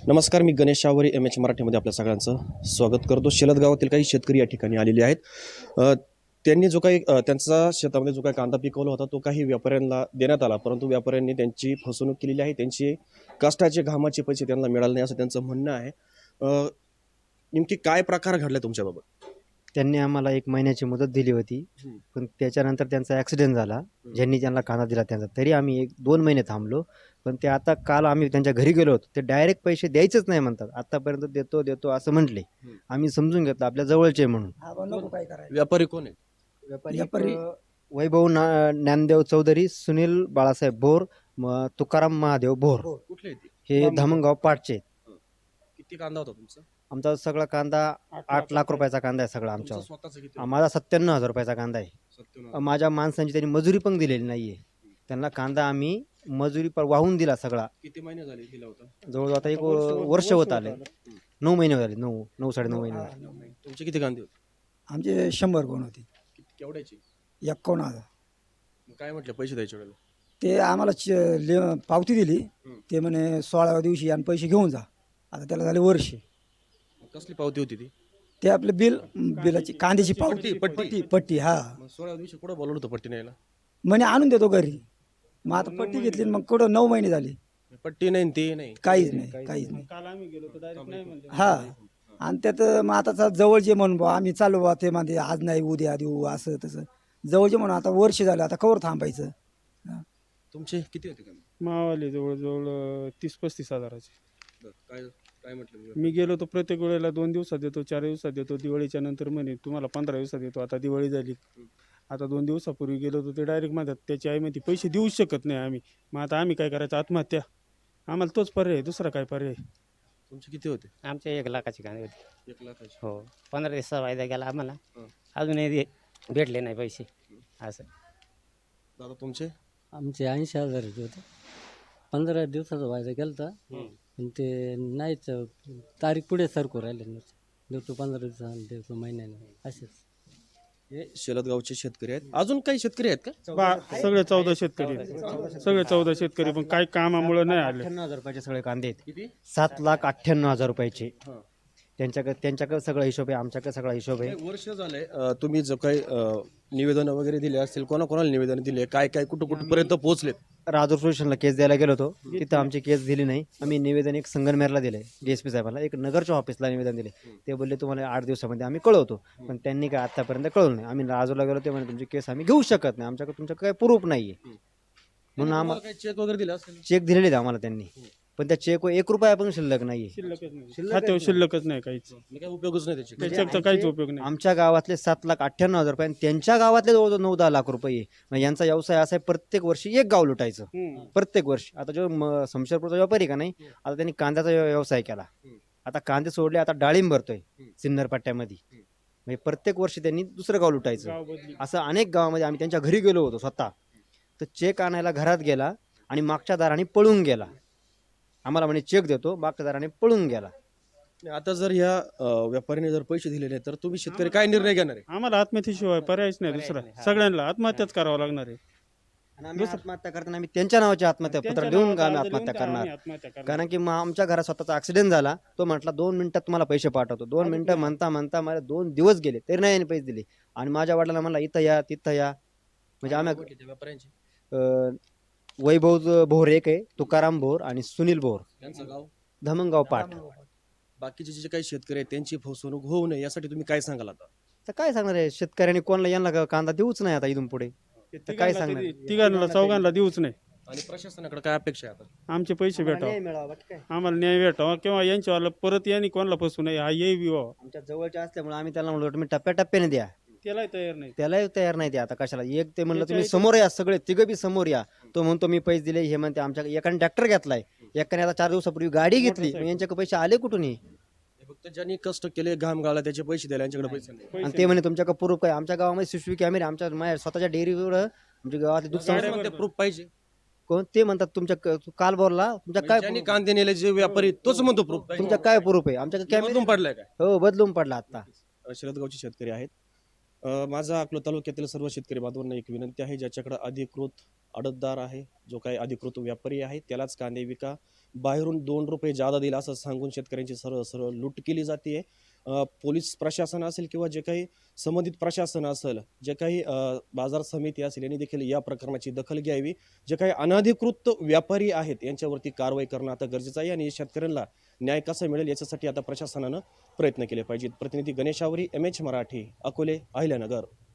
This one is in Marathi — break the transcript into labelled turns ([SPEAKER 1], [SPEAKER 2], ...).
[SPEAKER 1] नमस्कार, मी गणेश शावरी एम एच मराठीमध्ये आपल्या सगळ्यांचं स्वागत करतो. शेलद गावातील काही शेतकरी या ठिकाणी आलेले आहेत. त्यांनी जो काही त्यांचा शेतामध्ये जो काही कांदा पिकवला होता तो काही व्यापाऱ्यांना देण्यात आला, परंतु व्यापाऱ्यांनी त्यांची फसवणूक केलेली आहे. त्यांची कष्टाचे घामाचे पैसे त्यांना मिळाले नाही असं त्यांचं म्हणणं आहे. नेमकी काय प्रकार घडला तुमच्याबाबत?
[SPEAKER 2] त्यांनी आम्हाला 1 महिन्याची मुदत दिली होती, पण त्याच्यानंतर त्यांचा ॲक्सिडेंट झाला. ज्यांनी त्यांना कांदा दिला त्यांचा. तरी आम्ही 1-2 महिने थांबलो. पण ते आता काल आम्ही त्यांच्या घरी गेलो होतो. ते डायरेक्ट पैसे द्यायचेच नाही म्हणतात. आतापर्यंत देतो देतो असं म्हटले. आम्ही समजून घेतलं आपल्या जवळचे म्हणून.
[SPEAKER 1] व्यापारी कोण आहे?
[SPEAKER 2] व्यापारी वैभव ज्ञानदेव चौधरी, सुनील बाळासाहेब भोर, तुकाराम महादेव भोर,
[SPEAKER 1] कुठले ते?
[SPEAKER 2] हे धामणगाव पाटचे आहेत.
[SPEAKER 1] किती कांदा होता तुमचा?
[SPEAKER 2] आमचा सगळा कांदा 8 लाख रुपयाचा कांदा आहे सगळा आमच्यावर.
[SPEAKER 1] स्वतःचा किती?
[SPEAKER 2] माझा 97,000 रुपयाचा कांदा आहे.
[SPEAKER 1] 97.
[SPEAKER 2] माझ्या माणसांची त्यांनी मजुरी पण दिलेली नाहीये. त्यांना कांदा आम्ही मजुरी पर वाहून दिला सगळा.
[SPEAKER 1] किती महिने झाले दिला होता?
[SPEAKER 2] जवळजवळ आता 1 वर्ष होत आले. 9 महिने झाले. 9-9.5 महिने झाले.
[SPEAKER 1] तुमचे किती कांदे होते?
[SPEAKER 3] आमचे 100 गुण होते.
[SPEAKER 1] केवढ्याची?
[SPEAKER 3] 51,000.
[SPEAKER 1] काय म्हटलं पैसे द्यायच्या वेळेला?
[SPEAKER 3] ते आम्हाला पावती दिली. ते म्हणे 16व्या दिवशी आणि पैसे घेऊन जा. आता त्याला झाले वर्ष.
[SPEAKER 1] कसली पावती होती ती?
[SPEAKER 3] ते आपलं बिलाची कांद्याची पावती पट्टी हा.
[SPEAKER 1] 16 दिवशी कुठं बोलवलं होतं पट्टी न्यायला?
[SPEAKER 3] म्हणे आणून देतो घरी. मग आता पट्टी घेतली मग कुठं 9 महिने झाले.
[SPEAKER 1] पट्टी नाही ते नाही.
[SPEAKER 3] काहीच नाही.
[SPEAKER 4] काल आम्ही गेलो तर डायरेक्ट नाही म्हणले.
[SPEAKER 3] हा. आणि त्यात मग आता जवळचे म्हणून बुवा आम्ही चालू बा ते म्हणते आज नाही उद्या देऊ असं तसं. जवळचे म्हणून आता वर्ष झालं आता कवर थांबायचं.
[SPEAKER 1] तुमचे किती होते कांदे?
[SPEAKER 4] मावाले जवळजवळ 30-35 हजाराचे.
[SPEAKER 1] काय काय म्हटलं?
[SPEAKER 4] मी गेलो तर प्रत्येक वेळेला 2 दिवसात देतो, 4 दिवसात देतो. दिवाळीच्या नंतर म्हणे तुम्हाला 15 दिवसात देतो. आता दिवाळी झाली. आता 2 दिवसापूर्वी गेलो तर ते डायरेक्ट म्हणतात त्याची आई म्हणते पैसे देऊच शकत नाही आम्ही. मग आता आम्ही काय करायचं? आत्महत्या. आम्हाला तोच पर्याय, दुसरा काय पर्याय?
[SPEAKER 1] तुमचे किती होते?
[SPEAKER 5] आमचे 1 लाखाची कांदे होते.
[SPEAKER 1] 1 लाखाचे.
[SPEAKER 5] हो, 15 दिवसाचा वायदा गेला आम्हाला.
[SPEAKER 1] हं.
[SPEAKER 5] अजूनही भेटले नाही पैसे असं.
[SPEAKER 1] दादा तुमचे?
[SPEAKER 6] आमचे 80,000चे होते. 15 दिवसाचा वायदा गेला होता. पण ते नाहीच, तारीख पुढे सरकू राहिले. देतो 15 दिवसांनी, देतो महिन्याने, असेच.
[SPEAKER 1] हे शेलदगावचे शेतकरी आहेत. अजून काही शेतकरी आहेत का?
[SPEAKER 4] सगळे 14 शेतकरी आहेत. सगळे 14 शेतकरी, पण काही कामामुळे नाही आले.
[SPEAKER 2] 98,000 रुपयाचे सगळे कांदे आहेत.
[SPEAKER 1] किती?
[SPEAKER 2] 7,98,000 रुपयाचे.
[SPEAKER 1] हं.
[SPEAKER 2] त्यांच्याकडे सगळा हिशोब आहे, आमच्याकडे सगळा हिशोब आहे.
[SPEAKER 1] एक वर्ष झालंय. तुम्ही जो काही निवेदन वगैरे दिले असतील, कोणाकोणाला निवेदन दिले, काय काय कुठपर्यंत पोहोचलेत?
[SPEAKER 2] राजूर स्टेशनला केस द्यायला गेलो होतो. तिथं आमची केस दिली नाही. आम्ही निवेदन एक संगनमेरला दिले, DSP साहेबांना. एक नगरच्या ऑफिसला निवेदन दिले. ते बोलले तुम्हाला 8 दिवसामध्ये आम्ही कळवतो. पण त्यांनी काय आतापर्यंत कळवलं नाही. आम्ही राजूरला गेलो, ते म्हणजे तुमची केस आम्ही घेऊ शकत नाही, आमच्याकडे तुमच्याकडे काही प्रूफ नाहीये. म्हणून आम्हाला
[SPEAKER 1] काही चेक वगैरे दिला असेल?
[SPEAKER 2] चेक दिलेले आहेत आम्हाला त्यांनी, पण त्या चेकवर 1 रुपया पण शिल्लक नाहीये.
[SPEAKER 4] शिल्लकच नाही. खात्यावर शिल्लकच नाही काहीच.
[SPEAKER 1] काय उपयोगच नाही त्याचे.
[SPEAKER 4] त्याच्याचा काहीच उपयोग नाही.
[SPEAKER 2] आमच्या गावातले 7,98,000 रुपये आणि त्यांच्या गावातले जवळजवळ 9-10 लाख रुपये. मग यांचा व्यवसाय असा आहे, प्रत्येक वर्षी 1 गाव लुटायचं. प्रत्येक वर्षी. आता जो शमशेरपूरचा व्यापारी का नाही, आता त्यांनी कांद्याचा व्यवसाय केला. आता कांदे सोडले, आता डाळिंब भरतोय सिन्नर पट्ट्यामध्ये. म्हणजे प्रत्येक वर्षी त्यांनी दुसरं गाव लुटायचं.
[SPEAKER 4] गाव बदली.
[SPEAKER 2] असं अनेक गावामध्ये आम्ही त्यांच्या घरी गेलो होतो स्वतः. तर चेक आणायला घरात गेला आणि मागच्या दाराने पळून गेला. आम्हाला म्हणे चेक देतो, मागच्या दाराने पळून गेला.
[SPEAKER 1] आता जर ह्या व्यापाऱ्याने जर पैसे दिले नाही तर तुम्ही शेतकरी काय निर्णय घेणार आहे?
[SPEAKER 4] आम्हाला आत्महत्येशिवाय पर्यायच नाही दुसरा. सगळ्यांना आत्महत्याच करावं लागणार आहे.
[SPEAKER 2] आणि आम्ही आत्महत्या करताना आम्ही त्यांच्या नावाचे आत्महत्या पत्र देऊन आम्ही आत्महत्या करणार.
[SPEAKER 4] आत्महत्या करणार.
[SPEAKER 2] कारण की मग आमच्या घरात स्वतःचा ऍक्सिडेंट झाला. तो म्हटला 2 मिनिटात तुम्हाला पैसे पाठवतो. 2 मिनिटं म्हणता मला 2 दिवस गेले तरी नाही पैसे दिले. आणि माझ्या वडिलांना म्हणला इथं या तिथं या. म्हणजे आम्ही
[SPEAKER 1] व्यापाऱ्यांची
[SPEAKER 2] वैभव भोर एक आहे, तुकाराम भोर आणि सुनील भोर,
[SPEAKER 1] त्यांचं गाव.
[SPEAKER 2] धामणगाव पाट.
[SPEAKER 1] बाकीचे जे काही शेतकरी आहेत त्यांची फसवणूक होऊ नये यासाठी तुम्ही काय सांगाल आता?
[SPEAKER 2] तर काय सांगणार आहे शेतकऱ्यांनी, कोणाला यांना कांदा देऊच नाही आता इथून पुढे. तर काय सांगणार?
[SPEAKER 4] तिघांना चौघांना देऊच नाही.
[SPEAKER 1] आणि प्रशासनाकडे काय अपेक्षा आहे आता?
[SPEAKER 4] आमचे पैसे भेटावं,
[SPEAKER 2] न्याय मिळावा बाकी काय.
[SPEAKER 4] आम्हाला न्याय भेटावा, किंवा यांच्यावाला परत यांनी कोणाला फसू नये, हा येई व्हावा.
[SPEAKER 2] आमच्या जवळच्या असल्यामुळे आम्ही त्याला म्हणलो तुम्ही टप्प्याटप्प्याने द्या.
[SPEAKER 4] त्यालाही तयार नाही.
[SPEAKER 2] त्यालाही तयार नाही ते. आता कशाला एक ते म्हणलं तुम्ही समोर या, सगळे तिघं बी समोर या. तो म्हणतो मी पैसे दिले, हे म्हणते आमच्या एकाने ट्रॅक्टर घेतलाय, एकाने आता 4 दिवसापूर्वी गाडी घेतली. मग यांच्याकडे पैसे आले कुठून?
[SPEAKER 1] हे फक्त ज्यांनी कष्ट केले, घाम गाळला त्याचे पैसे द्यायला यांच्याकडे पैसे नाही.
[SPEAKER 2] आणि ते म्हणे तुमच्याकडे प्रूफ काय? आमच्या गावामध्ये CCTV कॅमेरे, आमच्या माझ्या स्वतःच्या डेअरीवर, आमच्या गावात दूध संस्था.
[SPEAKER 1] प्रूफ पाहिजे.
[SPEAKER 2] कोण ते म्हणतात तुमच्या काल बोलला तुमच्या काय
[SPEAKER 1] ज्यांनी कांदे नेले जे व्यापारी तोच म्हणतो प्रूफ पाहिजे.
[SPEAKER 2] तुमच्या काय प्रूफ आहे? आमच्याकडे कॅमेरे
[SPEAKER 1] बदलून पडलाय काय?
[SPEAKER 2] हो बदलून पडला आता.
[SPEAKER 1] शेलदगावचे शेतकरी आहेत. माझा अकलूज तालुक्यातील सर्व शेतकरी बांधवांना एक विनंती आहे, ज्याच्याकडे अधिकृत आडतदार आहे, जो काही अधिकृत व्यापारी आहे त्यालाच कांदे विका. बाहेरून 2 रुपये जादा दिला असं सांगून शेतकऱ्यांची सरळ सरळ लूट केली जाते. पोलीस प्रशासन असेल किंवा जे काही संबंधित प्रशासन असेल, जे काही बाजार समिती असेल, यांनी देखील या प्रकरणाची दखल घ्यावी. जे काही अनधिकृत व्यापारी आहेत यांच्यावरती कारवाई करणं आता गरजेचं आहे आणि शेतकऱ्यांना न्याय कसा मिळेल याच्यासाठी आता प्रशासनानं प्रयत्न केले पाहिजेत. प्रतिनिधी गणेश आवरी, MH मराठी, अकोले, अहिल्यानगर.